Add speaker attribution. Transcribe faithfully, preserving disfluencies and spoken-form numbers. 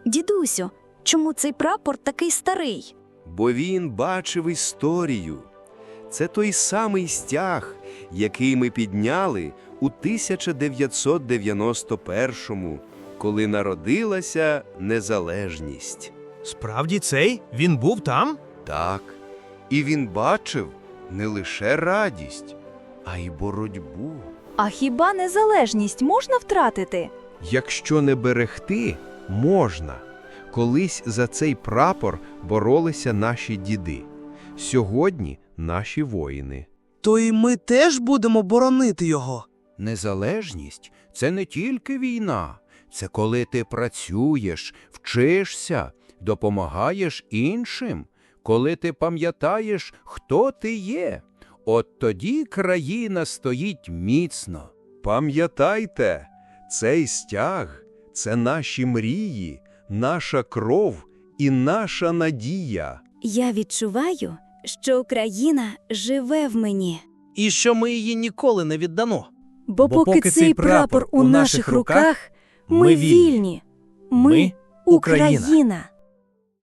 Speaker 1: Дідусю, чому цей прапор такий старий?
Speaker 2: Бо він бачив історію. Це той самий стяг, який ми підняли у тисяча дев'ятсот дев'яносто першому, коли народилася незалежність.
Speaker 3: Справді цей? Він був там?
Speaker 2: Так, і він бачив не лише радість, а й боротьбу.
Speaker 1: А хіба незалежність можна втратити?
Speaker 4: Якщо не берегти, можна. Колись за цей прапор боролися наші діди. Сьогодні наші воїни.
Speaker 5: То і ми теж будемо боронити його.
Speaker 6: Незалежність – це не тільки війна. Це коли ти працюєш, вчишся, допомагаєш іншим, коли ти пам'ятаєш, хто ти є. От тоді країна стоїть міцно.
Speaker 2: Пам'ятайте, цей стяг – це наші мрії, наша кров і наша надія.
Speaker 1: Я відчуваю, що Україна живе в мені.
Speaker 5: І що ми її ніколи не віддамо.
Speaker 1: Бо, поки, цей прапор у наших руках, ми вільні. Ми – Україна.